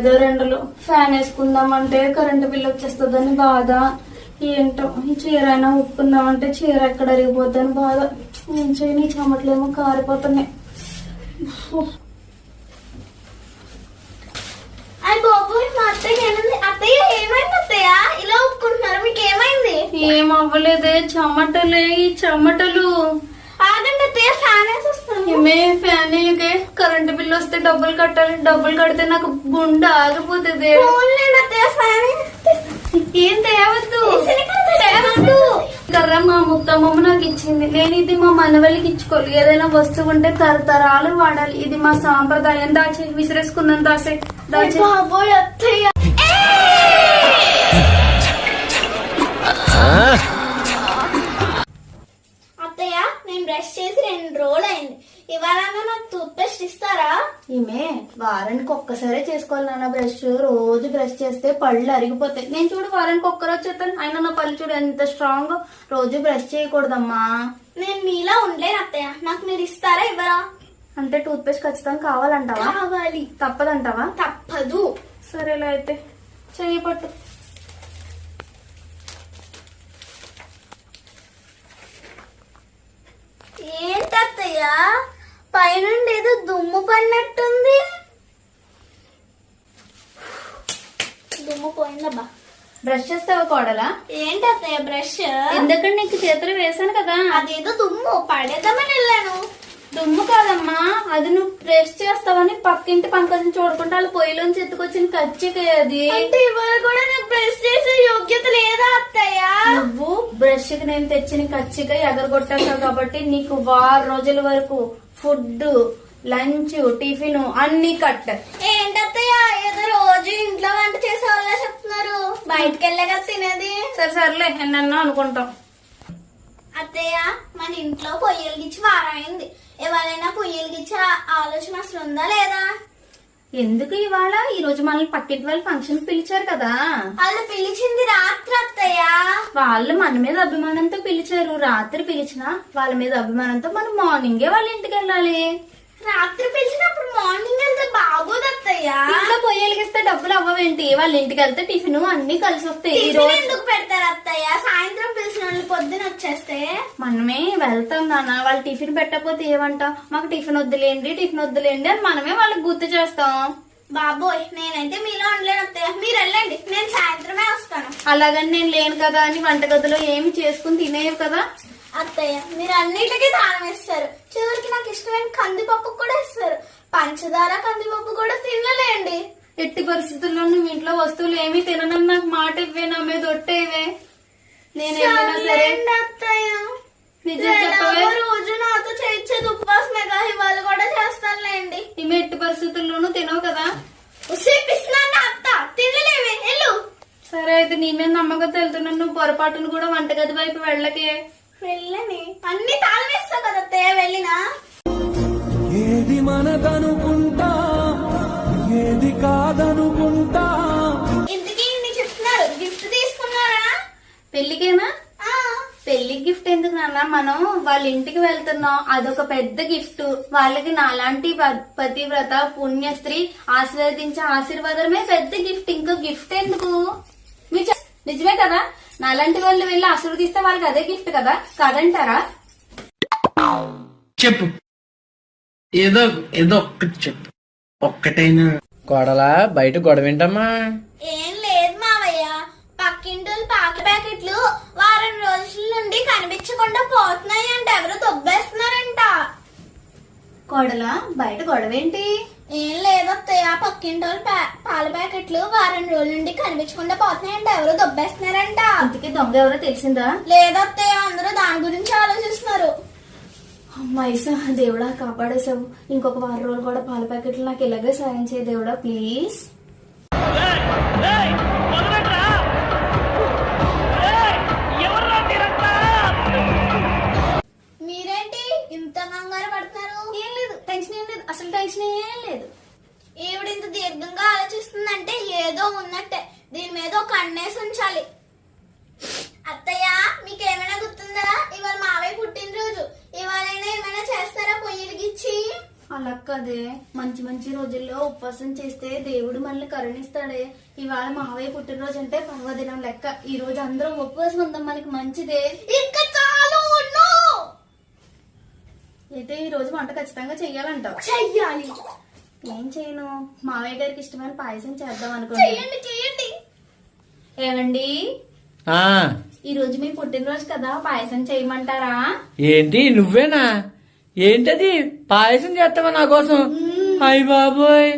Weather ఎండలు fan వేసుకుందామంటే current bill వచ్చేస్తుందని బాధ. ఏంటో ఈ చీర అయినా ఉప్పుకుందామంటే చీర ఎక్కడ అరిగిపోద్దని బాధ. ఏం చేయని చెమటలేమో కారిపోతున్నాయి. ఏం అవ్వలేదే, చెమటలే ఈ చెమటలు. ఫ్యాన్ కరెంటు బిల్లు వస్తే డబ్బులు కట్టాలి, డబ్బులు కడితే నాకు గుండె ఆగిపోతుంది. ఏం తేవద్దు కర్ర మా ముత్తమ్మ నాకు ఇచ్చింది. నేను ఇది మా మనవళ్ళకి ఇచ్చుకోవాలి. ఏదైనా వస్తువు ఉంటే తరతరాలు వాడాలి. ఇది మా సాంప్రదాయం. దాచే విసిరేసుకున్నాను. దాచే అత్తయ్య, నేను బ్రష్ చేసి 2 రోజులు అయింది. ఇవాళ నాకు టూత్ పేస్ట్ ఇస్తారా? ఈమె వారానికి ఒక్కసారే చేసుకోవాలి నాన్న బ్రష్. రోజు బ్రష్ చేస్తే పళ్ళు అరిగిపోతాయి. నేను చూడు వారానికి ఒక్కరోజు చేస్తాను. అయినా నా పళ్ళు చూడు ఎంత స్ట్రాంగ్. రోజు బ్రష్ చేయకూడదమ్మా. నేను మీలా ఉండలేను అత్తయ్య. నాకు మీరు ఇస్తారా ఇవ్వరా? అంటే టూత్ పేస్ట్ ఖచ్చితంగా కావాలంటావా? కావాలి. తప్పదంటావా? తప్పదు. సరేలా అయితే చెయ్యి పట్టు. ఏంటత్తయ్య పైనుండి ఏదో దుమ్ము పడినట్టుంది? దుమ్ము పోయిందబ్బా. బ్రష్ చేస్తావా కోడలా? ఏంటత్తయ్య బ్రష్? ఎందుకంటే నీకు చేతులు వేసాను కదా. అదేదో దుమ్ము పడేద్దామని వెళ్ళాను. దుమ్ము కాదమ్మా, అది నువ్వు బ్రష్ చేస్తావని పక్కింటి పంకజం చూడకుండా వాళ్ళు పొయ్యిలోంచి ఎత్తుకొచ్చిన కచ్చికే అది. అంటే ఇవాళ కూడా నాకు బ్రష్ చేసే యోగ్యత లేదా అత్తయ్య? నువ్వు బ్రష్ కి నేను తెచ్చిన కచ్చిగా ఎగరగొట్టావు కాబట్టి నీకు 6 రోజుల వరకు ఫుడ్, లంచ్, టిఫిన్ అన్ని కట్. ఏంటత్తయ్య ఏదో రోజు ఇంట్లో వంట చేసే వాళ్ళ చెప్తున్నారు. బయటకు వెళ్ళాక తినేది. సర్లే ఎన్నన్నా అనుకుంటాం. అత్తయ్య మన ఇంట్లో పొయ్యిలు గిచ్చి వారైంది. ఎవరైనా పొయ్యిలు గిచ్చే ఆలోచన అసలు ఉందా లేదా? ఎందుకు ఇవాళ ఈ రోజు మనల్ని పక్కింటి వాళ్ళు ఫంక్షన్ పిలిచారు కదా. వాళ్ళు పిలిచింది రాత్రి అత్తయ్య. వాళ్ళు మన మీద అభిమానంతో పిలిచారు. రాత్రి పిలిచినా వాళ్ళ మీద అభిమానంతో మనం మార్నింగే వాళ్ళ ఇంటికి వెళ్ళాలి. రాత్రి పిలిచినప్పుడు మార్నింగ్ వెళ్తే బాగోదు అత్తయ్య. ఇంట్లో పొయ్యి వెలిగిస్తే డబ్బులు అవ్వవేంటి? వాళ్ళ ఇంటికి వెళ్తే టిఫిన్ అన్ని కలిసి వస్తాయి. ఈ రోజు ఎందుకు పెడతారు అత్తయ్య? సాయంత్రం పిలిచిన వాళ్ళు పొద్దున వచ్చేస్తే మనమే వెళ్తాం నాన్న. వాళ్ళు టిఫిన్ పెట్టకపోతే ఏమంటాం? మాకు టిఫిన్ వద్దులేండి అని మనమే వాళ్ళకి గుర్తు చేస్తాం. బాబోయ్, నేనైతే మీలో ఉండలేను అత్తయ్య. మీరు వెళ్ళండి, నేను సాయంత్రమే వస్తాను. అలాగని నేను లేను కదా అని వంటగదిలో ఏమి చేసుకుని తినేవి కదా. అత్తయ్య మీరు అన్నిటికీ దానం ఇస్తారు. చివరికి నాకు ఇష్టమైన కందిపప్పు కూడా ఇస్తారు. పంచదార కందిపప్పు కూడా తినలేండి. ఎట్టి పరిస్థితుల్లో నువ్వు ఇంట్లో వస్తువులు ఏమీ తిననని నాకు మాట ఇవ్వే. నా మీద ఒట్టేవే. నేనేమైనా సరే అత్తయ్య నిజం చెప్పవే. రోజు నాతో చేయించేది ఉపవాసమేగా, ఇవాళ కూడా చేస్తానులేండి. ఈమె ఎట్టి పరిస్థితుల్లోనూ తినవు కదా. అత్త తినలేవే వెళ్ళు. సరే అయితే నీ మీద నమ్మకంతో వెళ్తున్నాను. నువ్వు పొరపాటును కూడా వంటగది వైపు వెళ్ళకే. వెళ్ళని అన్ని తాళం వేస్తావు కదా అత్తయ్య. వెళ్ళినా ఏది మనదనుకుంటా ఏది కాదనుకుంటా. ఇంతకీ ఇన్ని చెప్తున్నారు, గిఫ్ట్ తీసుకున్నారా? పెళ్లికేనా? పెళ్లి గిఫ్ట్ ఎందుకు నాన్న? మనం వాళ్ళ ఇంటికి వెళ్తున్నాం, అదొక పెద్ద గిఫ్ట్. వాళ్ళకి నాలాంటి పతివ్రత పుణ్యస్త్రీ ఆశీర్వదించే ఆశీర్వాదమే పెద్ద గిఫ్ట్. ఇంకో గిఫ్ట్ ఎందుకు? నిజమే కదా? నాలాంటి వాళ్ళు వెళ్ళి ఆశీర్వదిస్తే వాళ్ళకి అదే గిఫ్ట్ కదా, కాదంటారా? చెప్పు, ఏదో ఒక్కటి చెప్పు. ఒక్కటైనా కోడలా బయట గొడవేంటమ్మా? ఏం లేదు మావయ్య, పక్కింటోళ్ళు పాక ప్యాకెట్లు వారం రోజుల నుండి కనిపించకుండా పోతున్నాయి అంట. ఎవరు దొబ్బేస్తున్నారంట. కోడలా బయట గొడవేంటి? ఏం లేదత్తయ్య, పక్కింటోళ్ళు పాల ప్యాకెట్లు వారం రోజుల నుండి కనిపించకుండా పోతున్నాయంట. ఎవరు దొబ్బేస్తున్నారంట. ఇంతకీ దొంగ ఎవరో తెలిసిందా? లేదత్తయ్య, అందరూ దాని గురించి ఆలోచిస్తున్నారు. అమ్మాయిసా, దేవుడా కాపాడేసావు. ఇంకొక 6 రోజులు కూడా పాల ప్యాకెట్లు నాకు ఇలాగే సాయం చేయ దేవుడా ప్లీజ్. మీరేంటి ఇంత కంగారు పడుతున్నారు? ఏం లేదు, టెన్షన్ ఏం లేదు, అసలు టెన్షన్ ఏం లేదు. ఈవిడ ఇంత దీర్ఘంగా ఆలోచిస్తుందంటే ఏదో ఉన్నట్టే. దీని మీద ఒక కన్నేసి ఉంచాలి. అత్తయ్య మీకేమైనా గుర్తుందా? ఇవాళ మావయ్య పుట్టినరోజు. ఇవాళైనా ఏమైనా చేస్తారా పొయ్యిలిగిచ్చి? అలా కదే, మంచి మంచి రోజుల్లో ఉపవాసం చేస్తే దేవుడు మనల్ని కరుణిస్తాడే. ఇవాళ మావయ్య పుట్టినరోజు అంటే పర్వదినం లెక్క. ఈ రోజు అందరం ఉపవాసం ఉందాం, మనకి మంచిదే. ఇంకా చాలు ఉండు. అయితే ఈ రోజు వంట ఖచ్చితంగా చెయ్యాలంటావు. చెయ్యాలి. ఏం చేయను, మావయ్య గారికి ఇష్టమైన పాయసం చేద్దాం అనుకుంటా. చెయ్యండి చెయ్యండి. ఏమండి, ఆ ఈ రోజు మీ పుట్టినరోజు కదా, పాయసం చేయమంటారా? ఏంటి నువ్వేనా? ఏంటది పాయసం చేస్తావా నా కోసం? అయ్య బాబోయ్.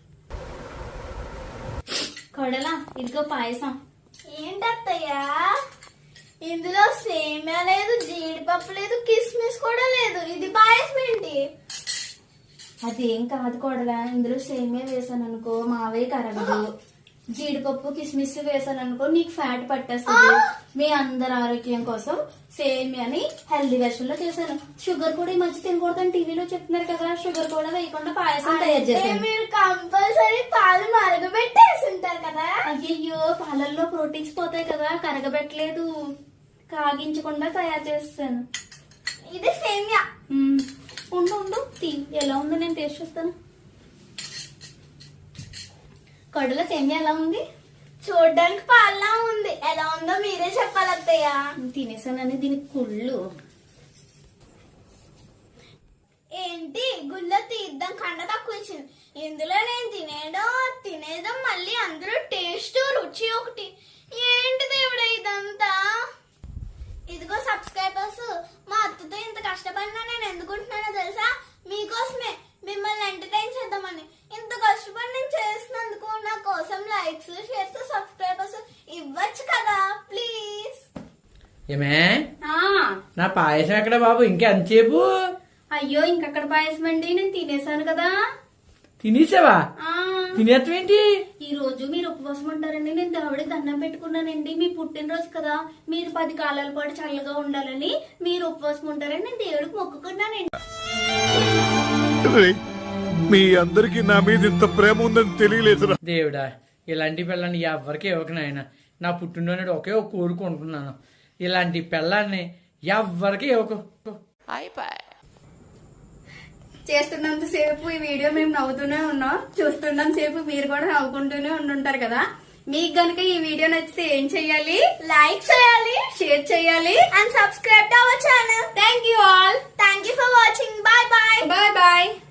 కొడలా, ఇదిగో పాయసం. ఏంటత్తయ్యా ఇందులో సేమియా లేదు, జీడిపప్పు లేదు, కిస్మిస్ కూడా లేదు. ఇది పాయసం ఏంటి? అదేం కాదు కొడలా, ఇందులో సేమియా వేసాను అనుకో మావయ్య కరగదు. జీడిపప్పు కిస్మిస్ వేసాను అనుకో నీకు ఫ్యాట్ పట్టేస్తుంది. మీ అందరి ఆరోగ్యం కోసం సేమియాని హెల్దీ వెర్షన్ లో చేశాను. షుగర్ కూడా ఈ మధ్య తినకూడదని టీవీలో చెప్తున్నారు కదా, షుగర్ కూడా వేయకుండా పాయసం తయారు అంటే చేశాను. మీరు కంపల్సరీ పాలు మరగబెట్టేసి ఉంటారు కదా. అయ్యయ్యో, పాలల్లో ప్రోటీన్స్ పోతాయి కదా, కరగబెట్టలేదు, కాగించకుండా తయారు చేస్తాను. ఇది సేమియా. ఉండు ఉండు, ఎలా ఉందో నేను టేస్ట్ చూస్తాను. కడుల సేమియా ఎలా ఉంది? చూడ్డానికి పాల్లా ఉంది. ఎలా ఉందో మీరే చెప్పాలి అత్తయ్య. తినేసానని దీనికి కుళ్ళు. ఏంటి గుళ్ళో తీద్దాం కండ తక్కువ ఇచ్చింది. ఇందులో నేను తినేదో మళ్ళీ అందరూ టేస్ట్ రుచి ఒకటి. ఏంటి దేవుడా ఇదంతా? ఇదిగో సబ్స్క్రైబర్స్, మా అత్తతో ఇంత కష్టపడినా నేను ఎందుకుంటున్నానో తెలుసా? మీకోసమే, మిమ్మల్ని ఎంటర్టైన్ చేద్దామని. ఇంత కష్టపడి నేను చేసినందుకు నా కోసం లైక్స్, షేర్స్, సబ్స్క్రైబర్స్ ఇవ్వచ్చు కదా ప్లీజ్. ఏమే ఆ, నా పాయసం ఎక్కడ బాబు? ఇంకా ఎంతసేపు? అయ్యో, ఇంకక్కడ పాయసం అండి, నేను తినేసాను కదా. తినేసావా? ఆ, తినేస్తావేంటి? ఈ రోజు మీరు ఉపవాసం ఉంటారండి, నేను దేవుడికి దండం పెట్టుకున్నానండి. మీ పుట్టినరోజు కదా, మీరు 10 కాలాల పాటు చల్లగా ఉండాలని మీరు ఉపవాసం ఉంటారని నేను దేవుడికి మొక్కుకున్నానండి. మీ అందరికి నా మీద ఇంత ప్రేమ ఉందని తెలియలేదురా. దేవుడా, ఇలాంటి పిల్లని ఎవరికి ఇవ్వకు నాయన. నా పుట్టినరోజు ఒకే ఒక కోరుకుంటున్నాను, ఇలాంటి పిల్లాన్ని ఎవరికి ఇవ్వకు. చేస్తున్నంత సేపు ఈ వీడియో మేము నవ్వుతూనే ఉన్నాం, చూస్తున్నంత సేపు మీరు కూడా నవ్వుకుంటూనే ఉండుంటారు కదా. మీకు గనుక ఈ వీడియో నచ్చితే ఏం చెయ్యాలి? లైక్ చేయాలి, షేర్ చేయాలి and subscribe to our channel. Thank you all. Thank you for watching. Bye bye. Bye bye.